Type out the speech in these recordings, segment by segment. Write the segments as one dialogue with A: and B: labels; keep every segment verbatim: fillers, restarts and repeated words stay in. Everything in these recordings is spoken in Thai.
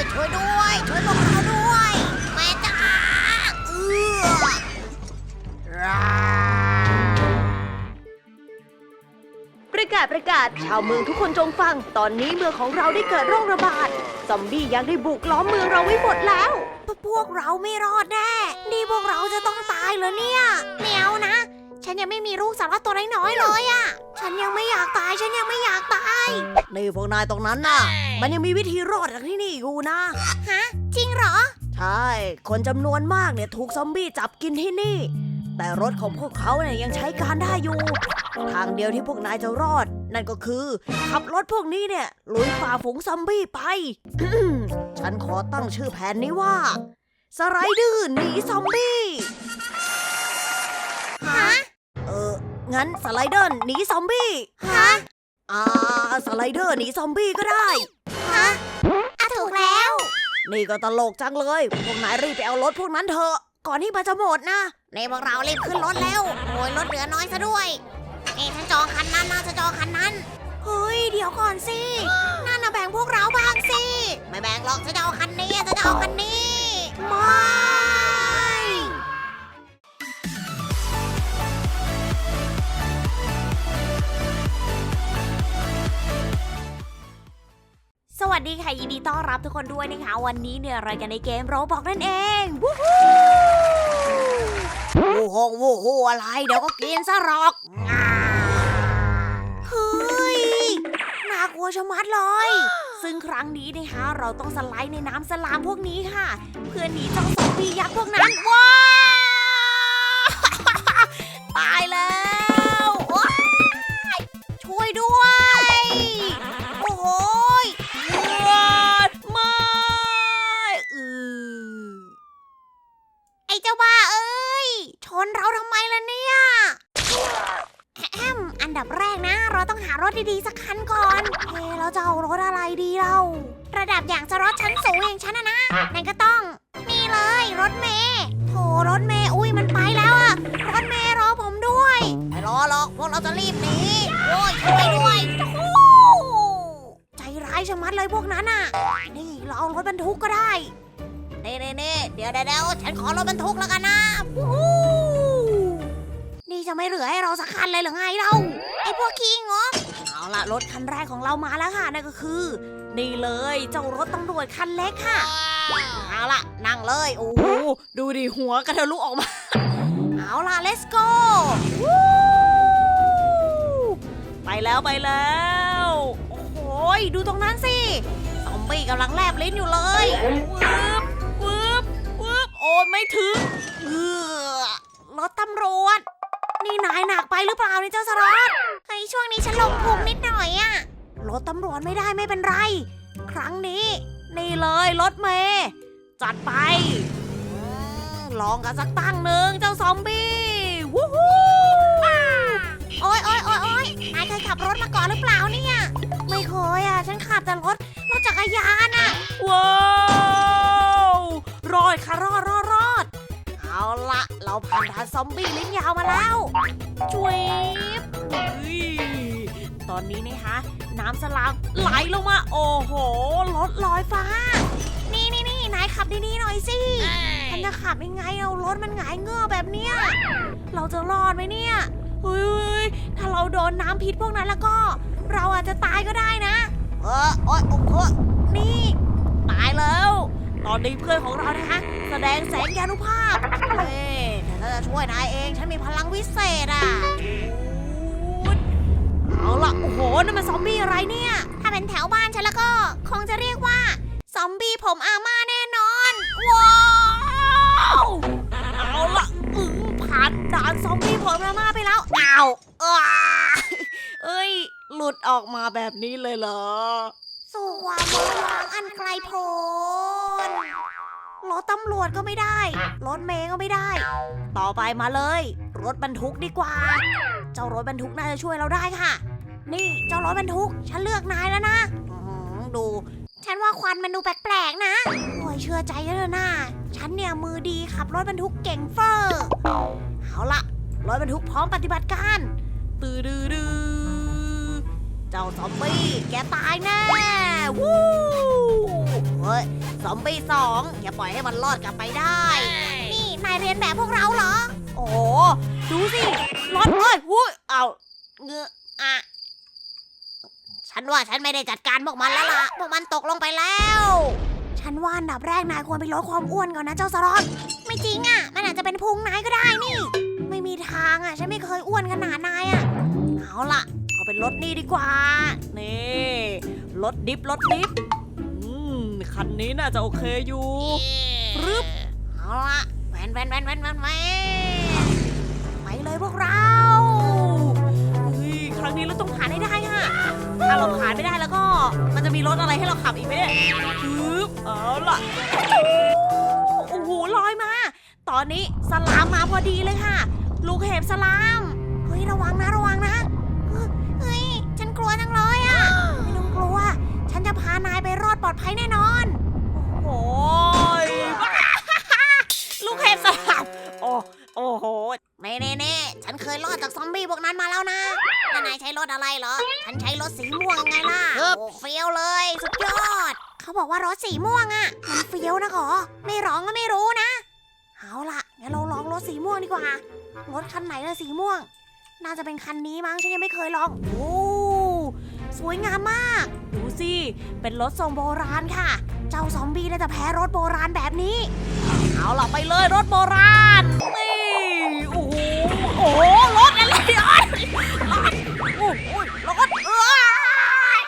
A: ช่วยด้วยช่วยพวกเราด้วยแม่จ้าเออ
B: ประกาศประกาศชาวเมืองทุกคนจงฟังตอนนี้เมืองของเราได้เกิดโรคระบาดซอมบี้ยังได้บุกล้อมเมืองเราไว้หมดแล้ว
A: พวกเราไม่รอดแน่นี่พวกเราจะต้องตายเหรอเนี่ยไม่เอานะฉันยังไม่มีลูกสาวตัวน้อยๆเลยอะฉันยังไม่อยากตายฉันยังไม่อยากตาย
B: นี่พวกนายตรงนั้นน่ะมันยังมีวิธีรอดจากที่นี่อยู่นะ
A: ฮะจริงเหรอ
B: ใช่คนจำนวนมากเนี่ยถูกซอมบี้จับกินที่นี่แต่รถของพวกเขาเนี่ยยังใช้การได้อยู่ทางเดียวที่พวกนายจะรอดนั่นก็คือขับรถพวกนี้เนี่ยลุยฝ่าฝูงซอมบี้ไป ฉันขอตั้งชื่อแผนนี้ว่าสไลเดอร์หนีซอมบี้
A: ฮะ
B: เอองั้นสไลเดอร์หนีซอมบี้
A: ฮะ
B: อ่าสไลเดอร์หนีซอมบี้ก็ได้
A: ฮะอ่ะถูกแล้ว
B: นี่ก็ตลกจังเลยพวกนายรีบไปเอารถพวกนั้นเถอะก่อนที่มันจะหมดนะ
A: ในพวกเรารีบขึ้นรถแล้วโอ้ยรถเหลือน้อยซะด้วยนี่ฉันจองคันนั้นนะฉันจองคันนั้นเฮ้ยเดี๋ยวก่อนสินั่นน่ะแบ่งพวกเราบ้างสิไม่แบ่งหรอกฉันจะเอาคันนี้ฉันจะเอาคันนี้ไม่สวัสดีค่ะยินดีต้อนรับทุกคนด้วยนะคะวันนี้เนี่ยรายการในเกมโรบอกนั่นเองวู้ฮู้วู้ฮงวู้ฮู้อะไรเดี๋ยวก็กินซะหรอกเฮ้ยน่ากลัวชะมัดเลยซึ่งครั้งนี้นะคะเราต้องสไลด์ในน้ำสลามพวกนี้ค่ะเพื่อหนีเจ้าซอมบี้ยักษ์พวกนั้นว้าตายแล้วช่วยด้วยโอ้โหไม่เออไอ้เจ้าบ้าเอ้ยชนเราทำไมล่ะเนี่ยแอมอันดับแรกนะเราต้องหารถดีๆสักคันก่อนเฮ้เราจะเอารถอะไรดีเราระดับอย่างจะรถชั้นสูงอย่างฉันนะนะนั่นก็ต้องนี่เลยรถเมล์โถรถเมล์อุ้ยมันไปแล้วอะรถเมล์รอผมด้วยไม่รอหรอกพวกเราจะรีบหนีโอ้ยช่วยด้วยใจร้ายชะมัดเลยพวกนั้นอ่ะนี่เราเอารถบรรทุกก็ได้เน่เน่เน่เดี๋ยวเดี๋ยวฉันขอรถบรรทุกแล้วกันนะนี่จะไม่เหลือให้เราสักคันเลยหรือไงเราไอ้พวกขี้งกเอาล่ะรถคันแรกของเรามาแล้วค่ะนั่นก็คือนี่เลยเจ้ารถตำรวจคันเล็กค่ะเอาล่ะนั่งเลยโอ้โหดูดิหัวกระทะลุออกมาเอาล่ะ let's go ไปแล้วไปแล้วโอ้โหดูตรงนั้นสิซอมบี้กำลังแลบลิ้นอยู่เลยวืบวืบวืบโอ้ไม่ถึงเออรถตำรวจนี่นายหนักไปหรือเปล่านี่เจ้าสรอตเฮ้ยช่วงนี้ฉันลงพุงนิดหน่อยอะรถตำรวจไม่ได้ไม่เป็นไรครั้งนี้นี่เลยรถเมย์จัดไปลองกันสักตั้งหนึ่งเจ้าซอมบี้วู้ฮู้โอ๊ยโอ๊ยโอ๊ยโอ๊ยนายเคยขับรถมาก่อนหรือเปล่าเนี่ยไม่เคยอ่ะฉันขับแต่รถรถจักรยานอ่ะว้าวรอดค่ะรอดรอดรอดเอาละเราผ่านด่านซอมบี้ลิ้นยาวมาแล้วจุ๊ยตอนนี้นะคะน้ำสลามไหลลงมาโอ้โหรถลอยฟ้านี่นี่นี่นายขับดีๆหน่อยสิฉันจะขับยังไงเอารถมันหงายเงือแบบเนี้ยเราจะรอดไหมเนี่ยเฮ้ยถ้าเราโดนน้ำพิษพวกนั้นแล้วก็เราอาจจะตายก็ได้นะเออโอ๊ยโอ้ยนี่ตายแล้วตอนนี้เพื่อนของเรานะคะแสดงแสงยานุภาพเฮ้ยแต่ถ้าจะช่วยนายเองฉันมีพลังวิเศษอ่ะเอาล่ะโอ้โหนั่นมันซอมบี้อะไรเนี่ยถ้าเป็นแถวบ้านฉันแล้วก็คงจะเรียกว่าซอมบี้ผมอาม่าแน่นอนว้าวเอาล่ะอือผ่านด่านซอมบี้ผมอาม่าไปแล้วอ้าวเอ้ยหลุดออกมาแบบนี้เลยเหรอสู่ความเมื่อวางอันไกลโพ้นรถตำรวจก็ไม่ได้รถเมล์ก็ไม่ได้ต่อไปมาเลยรถบรรทุกดีกว่าเจ้ารถบรรทุกน่าจะช่วยเราได้ค่ะนี่เจ้ารถบรรทุกฉันเลือกนายแล้วนะดูฉันว่าควันมันดูแปลกๆนะโอ้ยเชื่อใจเลยนะฉันเนี่ยมือดีขับรถบรรทุกเก่งเฟอร์เอาละรถบรรทุกพร้อมปฏิบัติการตืดดื้อเจ้าซอมบี้แกตายแน่วู้เฮ้ย
B: ซอมบี้สองอย่าปล่อยให้มันรอดกลับไปได้
A: นี่นายเรียนแบบพวกเราเหรอ
B: โอ้โหดูสิรถเอ้ยหุ้ยเอา
A: เงืออะฉันว่าฉันไม่ได้จัดการพวกมันแล้วล่ะ พวกมันตกลงไปแล้ว ฉันว่าอันดับแรกนายควรไปลดความอ้วนก่อนนะเจ้าสล็อตไม่จริงอ่ะ มันอาจจะเป็นพุงนายก็ได้นี่ ไม่มีทางอ่ะ ฉันไม่เคยอ้วนขนาดนายอ่ะ
B: เอาล่ะเอาเป็นรถนี่ดีกว่านี่รถดิฟรถดิฟอืมคันนี้น่าจะโอเคอยู่รึบ
A: เอาละแวนแวนแวนแวนแวนแวนไปเลยพวกเรา
B: เฮ้ยครั้งนี้เราต้องผ่านให้ได้ค่ะถ้าเราผ่านไม่ได้แล้วก็ มันจะมีรถอะไรให้เราขับอีกไหมเนี่ยฮึบเอาล่ะโอ้โหลอยมา ตอนนี้สลามมาพอดีเลยค่ะ ลูกเห็บสลาม
A: เฮ้ยระวังนะระวังนะเฮ้ยฉันกลัวจังเลยอ่ะไม่ต้องกลัว ฉันจะพานายไปรอดปลอดภัยแน่นอน
B: โอ้ยลูกเห็บสลามโอ้โอ้โห
A: เน่เน่เน่ฉันเคยรอดจากซอมบี้พวกนั้นมาแล้วนะแล้วนายใช้รถอะไรเหรอ ฉันใช้รถสีม่วงไงล่ะ โอ้เฟี้ยวเลย สุดยอด เขาบอกว่ารถสีม่วงอ่ะ มันเฟี้ยวนะขอ ไม่ร้องก็ไม่รู้นะ เอาล่ะงั้นเราลองรถสีม่วงดีกว่า รถคันไหนล่ะสีม่วง น่าจะเป็นคันนี้มั้ง ฉันยังไม่เคยลอง โอ้ สวยงามมาก
B: ดูสิ เป็นรถทรงโบราณค่ะ
A: เจ้าซอมบี้น่าจะแพ้รถโบราณแบบนี้
B: เอาล่ะไปเลยรถโบราณ นี่ โอ้โห โอ้โห รถอะไรเนี่ยรถโอ้โหรถเอ้ย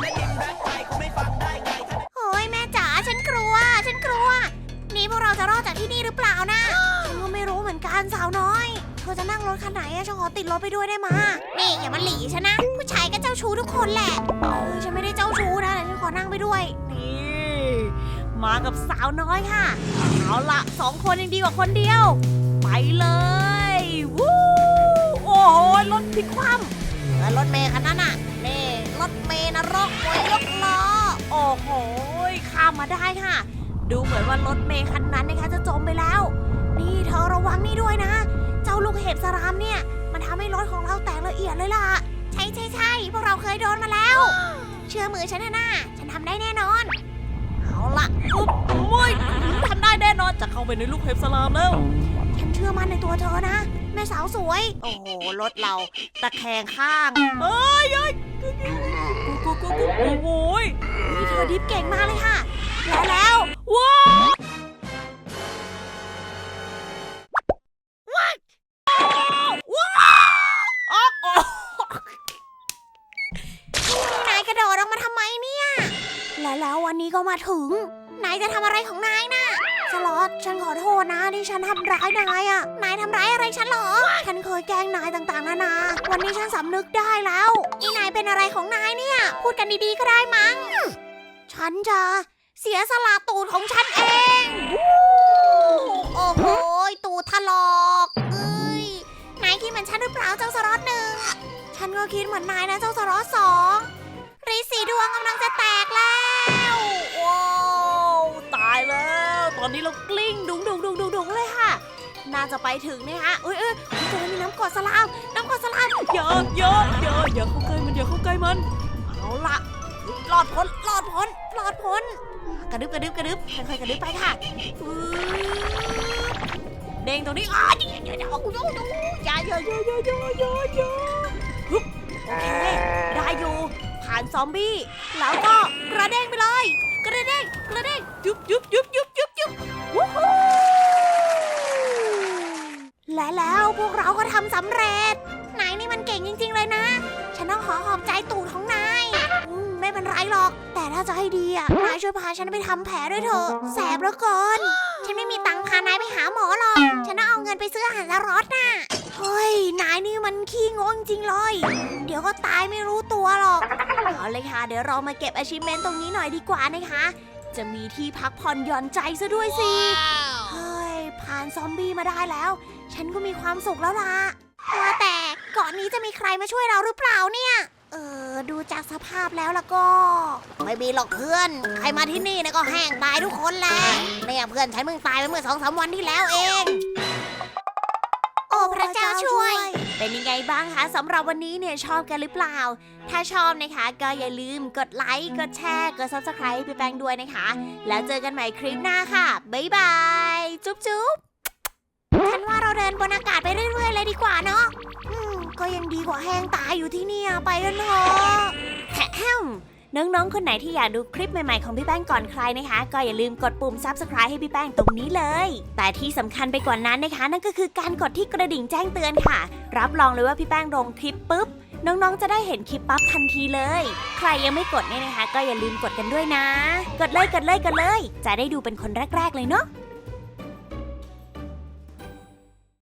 A: โอ้ยแม่จ๋าฉันกลัว ฉันกลัว นี่พวกเราจะรอดจากที่นี่หรือเปล่านะ ฉันก็ไม่รู้เหมือนกันสาวน้อย เธอจะนั่งรถคันไหนอะฉันขอติดรถไปด้วยได้มานี่อย่ามาหลีฉันนะ ผู้ชายก็เจ้าชู้ทุกคนแหละเออฉันไม่ได้เจ้าชู้นะแต่ฉันขอนั่งไปด้วย
B: นี่ มากับสาวน้อยค่ะ เอาล่ะสองคนยังดีกว่าคนเดียว ไปเลย วู้ โอ้โห รถพลิกคว่ำ
A: แล้วรถเมย์คันนั้นน่ะนี่รถเมย์นรกมวยยกล้อ
B: โอ้โห ข้ามมาได้ค่ะ ดูเหมือนว่ารถเมย์คันนั้นนะคะจะจมไปแล้ว
A: นี่เธอระวังนี่ด้วยนะ เจ้าลูกเห็บสรามเนี่ย มันทำให้รถของเราแตกละเอียดเลยล่ะ ใช่ใช่ใช่พวกเราเคยโดนมาแล้ว เชื่อมือฉันนะน่าฉันทำได้แน่นอน
B: เอาล่ะอุ๊บโอ้ยทำได้แน่นอนจะเข้าไปในลูกเห็บสลามแล้ว
A: ฉันเชื่อมั่นในตัวเธอนะ แม่สาวสวย
B: โอ้โห รถเราตะแคงข้าง เอ้ยเอ้ยกูกูกูกูโอ้โหย
A: นี่เธอดิฟเก่งมากเลยค่ะ และแล้ว
B: ว้าวว้าวว้าวโอ้
A: นายกระโดดออกมาทำไมเนี่ย และแล้ววันนี้ก็มาถึง นายจะทำอะไรของนายน่ะสล็อตฉันขอโทษนะที่ฉันทำร้ายนายอ่ะ นายทำร้ายอะไรฉันเหรอ ฉันเคยแกล้งนายต่างๆนานา วันนี้ฉันสำนึกได้แล้วนี่นายเป็นอะไรของนายเนี่ย พูดกันดีๆก็ได้มั้ง ฉันจะเสียสละตูดของฉันเองวู้โอ้โหตูดถลอกเอ้ยนายคิดเหมือนฉันหรือเปล่าเจ้าสล็อตหนึ่ง ฉันก็คิดเหมือนนายนะเจ้าสล็อตสองรีสีดวงกำลังจะแตกแล้ว
B: ว้าวตายแล้ว ตอนนี้เรากลิ้งดุงดุงดุงดุงดุงเลยค่ะ น่าจะไปถึงนะคะเอ้ยเอ้ยเจอมีน้ำกรดสลาม น้ำกรดสลามเยอะเยอะเยอะอย่าเข้าใกล้มันอย่าเข้าใกล้มัน เอาละรอดพ้นรอดพ้นรอดพ้น กระดึบกระดึบกระดึบค่อยๆกระดึบไปค่ะฟื้เด้งตรงนี้อ้าวเดี๋ยวเดี๋ยวเดี๋ยวกูโยนอย่าอย่าอย่าอย่าอย่าอย่าอย่าฮึบโอเค ได้อยู่ผ่านซอมบี้ แล้วก็กระเด้งไปเลย กระเด้งกระเด้งยุบยุบยุบยุบยุบยุบวู้ฮู้
A: และแล้วพวกเราก็ทำสำเร็จ นายนี่มันเก่งจริงๆเลยนะ ฉันต้องขอขอบใจตูดของนายอืมไม่เป็นไรหรอก แต่ถ้าจะให้ดีอ่ะ นายช่วยพาฉันไปทำแผลด้วยเถอะ แสบเหลือเกิน ฉันไม่มีตังค์พานายไปหาหมอหรอก ฉันต้องเอาเงินไปซื้ออาหารละรอดน่ะ เฮ้ย นายนี่มันขี้งงจริงเลย เดี๋ยวก็ตายไม่รู้ตัวหรอก
B: เอาเลยค่ะ เดี๋ยวเรามาเก็บ achievement ตรงนี้หน่อยดีกว่านะคะ จะมีที่พักผ่อนหย่อนใจซะด้วยสิ
A: เฮ้ย ผ่านซอมบี้มาได้แล้ว ฉันก็มีความสุขแล้วล่ะ ว่าแต่ก่อนนี้จะมีใครมาช่วยเราหรือเปล่าเนี่ย เออ ดูจากสภาพแล้วล่ะก็ ไม่มีหรอกเพื่อน ใครมาที่นี่เนี่ยก็แห้งตายทุกคนแหละเนี่ยเพื่อนฉันเพิ่งตายไปเมื่อสองสามวันที่แล้วเอง โอ้พระเจ้าช่วย เป็นยังไงบ้างคะสำหรับวันนี้เนี่ยชอบกันหรือเปล่า ถ้าชอบนะคะก็อย่าลืมกดไลค์กดแชร์กด ซับสไครบ์ ให้พี่แป้งด้วยนะคะ แล้วเจอกันใหม่คลิปหน้าค่ะบ๊ายบายจุ๊บจุ๊บฉันว่าเราเดินบนอากาศไปเรื่อยๆเลยดีกว่าเนาะอืมก็ยังดีกว่าแห้งตายอยู่ที่เนี่ยไปกันเถอะแฮมน้องๆคนไหนที่อยากดูคลิปใหม่ๆของพี่แป้งก่อนใครนะคะ ก็อย่าลืมกดปุ่ม ซับสไครบ์ ให้พี่แป้งตรงนี้เลย แต่ที่สำคัญไปกว่านั้นนะคะ นั่นก็คือการกดที่กระดิ่งแจ้งเตือนค่ะ รับรองเลยว่าพี่แป้งลงคลิปปุ๊บน้องๆจะได้เห็นคลิปปั๊บทันทีเลย ใครยังไม่กดเนี่ยนะคะ ก็อย่าลืมกดกันด้วยนะ กดเลยกดเลยกดเลย จะได้ดูเป็นคนแรกๆเลยเนาะ